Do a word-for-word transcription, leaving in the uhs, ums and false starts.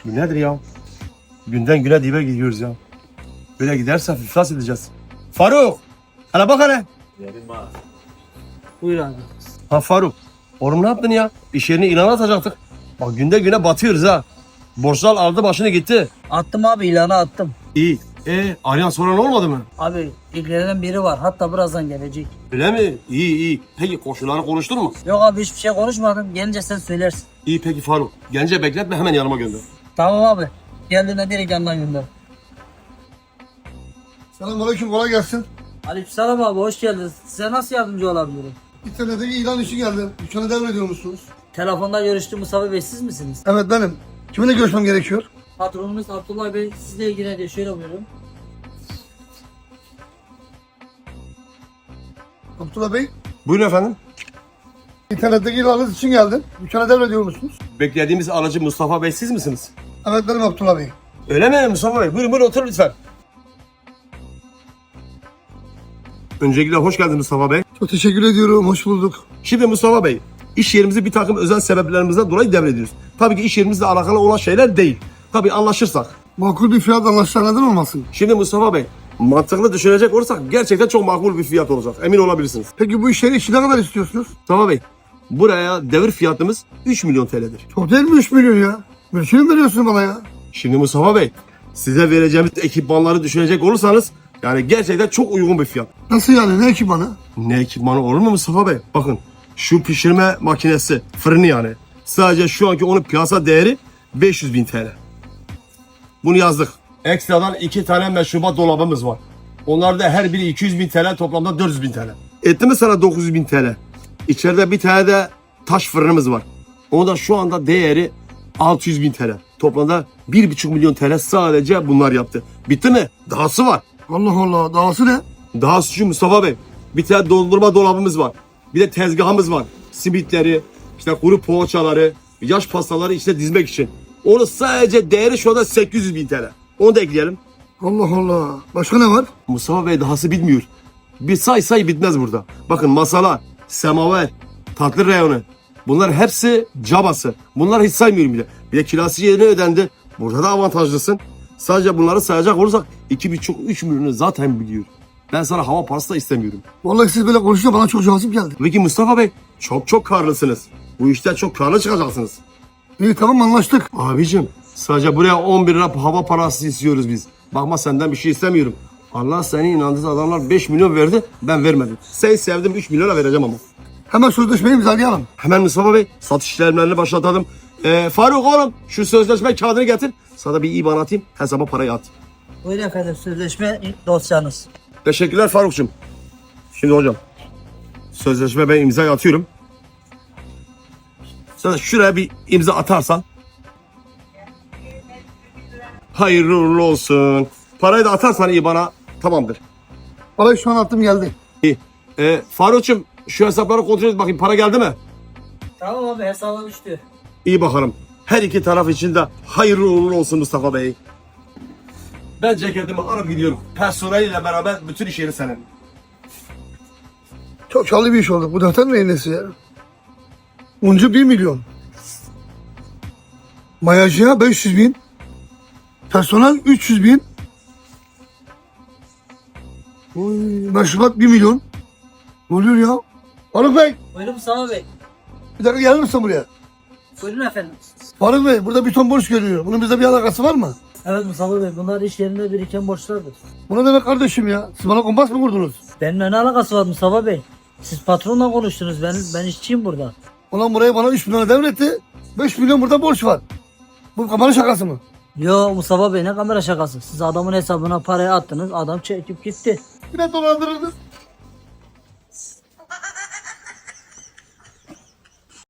Bu nedir ya? Günden güne dibe gidiyoruz ya. Böyle giderse iflas edeceğiz. Faruk! Hele bak hele. Buyur abi. Ha Faruk. Oğlum ne yaptın ya? İş yerine ilan atacaktık. Bak günde güne batıyoruz ha. Borçlar aldı başını gitti. Attım abi, ilana attım. İyi. E arayan soran olmadı mı? Abi ilgilenen biri var, hatta birazdan gelecek. Öyle mi? İyi iyi. Peki koşulları konuştun mu? Yok abi, hiçbir şey konuşmadım. Gelince sen söylersin. İyi peki Faruk. Gence bekletme hemen yanıma gönder. Tamam abi. Geldiğinde direkt yandan gönder. Selamünaleyküm, kolay gelsin. Aleykümselam abi, hoş geldiniz. Size nasıl yardımcı olabilirim? İnternette ilan işi geldi. Dükkanı devrediyor musunuz? Telefonda görüştüğüm Mustafa Bey siz misiniz? Evet benim. Kiminle görüşmem gerekiyor? Patronumuz Abdullah Bey sizle ilgileniyor. Şöyle buyurun. Abdullah Bey, Buyurun efendim. internetteki ilanınız için geldim. Dükkanı devrediyor musunuz? Beklediğimiz aracı Mustafa Bey siz misiniz? Evet benim Abdullah Bey. Öyle mi Mustafa Bey? Buyurun buyurun oturun lütfen. Öncelikle hoş geldiniz Mustafa Bey. Çok teşekkür ediyorum, hoş bulduk. Şimdi Mustafa Bey, iş yerimizi bir takım özel sebeplerimizden dolayı devrediyoruz. Tabii ki iş yerimizle alakalı olan şeyler değil. Tabii anlaşırsak. Makul bir fiyat anlaşılan neden olmasın? Şimdi Mustafa Bey, mantıklı düşünecek olursak gerçekten çok makul bir fiyat olacak. Emin olabilirsiniz. Peki bu işleri işi ne kadar istiyorsunuz? Mustafa Bey, buraya devir fiyatımız üç milyon T L'dir. Çok değil mi üç milyon ya? Bir şey mi veriyorsun bana ya? Şimdi Mustafa Bey, size vereceğimiz ekipmanları düşünecek olursanız yani gerçekten çok uygun bir fiyat. Nasıl yani, ne ekipmanı? Ne ekipmanı olur mu Mustafa Bey? Bakın şu pişirme makinesi, fırını yani. Sadece şu anki onun piyasa değeri beş yüz bin T L. Bunu yazdık. Ekstradan iki tane meşrubat dolabımız var. Onlar da her biri iki yüz bin T L, toplamda dört yüz bin T L. Etti mi sana dokuz yüz bin T L? İçeride bir tane de taş fırınımız var. Onun da şu anda değeri altı yüz bin T L. Toplamda bir buçuk milyon T L sadece bunlar yaptı. Bitti mi? Dahası var. Allah Allah, dahası ne? Daha şu Mustafa Bey, bir tane dondurma dolabımız var. Bir de tezgahımız var. Simitleri, işte kuru poğaçaları, yaş pastaları işte dizmek için. Onun sadece değeri şu anda sekiz yüz bin T L. Onu da ekleyelim. Allah Allah. Başka ne var? Mustafa Bey dahası bitmiyor. Bir say say bitmez burada. Bakın masalar, semaver, tatlı reyonu. Bunlar hepsi cabası. Bunlar hiç saymıyorum bile. Bir de kirası yerine ödendi. Burada da avantajlısın. Sadece bunları sayacak olursak iki buçuk üç milyonu zaten biliyor. Ben sana hava parası da istemiyorum. Vallahi siz böyle konuşunca bana çok cazip geldi. Peki Mustafa Bey çok çok karlısınız. Bu işte çok karlı çıkacaksınız. İyi tamam, anlaştık. Abicim sadece buraya on bir lira hava parası istiyoruz biz. Bakma senden bir şey istemiyorum. Allah seni inandığı adamlar beş milyon verdi, ben vermedim. Sen sevdim üç milyona vereceğim ama. Hemen sözleşmeyi imzalayalım. Hemen Mustafa Bey satış işlemlerini başlatalım. Ee, Faruk oğlum şu sözleşme kağıdını getir. Sana bir İban atayım, hesaba parayı at. Buyurun efendim, sözleşme dosyanız. Teşekkürler Faruk'cum. Şimdi hocam sözleşme ben imzayı atıyorum. Sen şuraya bir imza atarsan. Hayırlı uğurlu olsun. Parayı da atarsan iyi bana tamamdır. Parayı şu an attım, geldi. İyi. Ee, Faruk'cum şu hesapları kontrol et bakayım para geldi mi? Tamam abi, hesaba düştü. İyi bakalım. Her iki taraf için de hayırlı uğurlu olsun Mustafa Bey. Ben ceketimi alıp gidiyorum. Personeliyle beraber bütün iş yeri senin. Çok karlı bir iş oldu. Bu defter neyin nesi ya? Uncu bir milyon. Mayacıya beş yüz bin. Personel üç yüz bin. Oy, meşrubat bir milyon. Ne oluyor ya? Faruk Bey, Buyurun Mustafa Bey. bir dakika gelir misin buraya? Buyurun efendim. Faruk Bey, burada bir ton borç görüyor. Bunun bizde bir alakası var mı? Evet Mustafa Bey, bunlar iş yerinde biriken borçlardır. Bu ne demek kardeşim ya? Siz bana kompas mı kurdunuz? Benimle ne alakası var Mustafa Bey? Siz patronla konuştunuz, ben ben işçiyim burada. Ulan buraya bana üç milyon devretti. beş milyon burada borç var. Bu kafanın şakası mı? Yo Mustafa Bey, ne kamera şakası. Siz adamın hesabına parayı attınız, adam çekip gitti. Yine dolandırıldınız.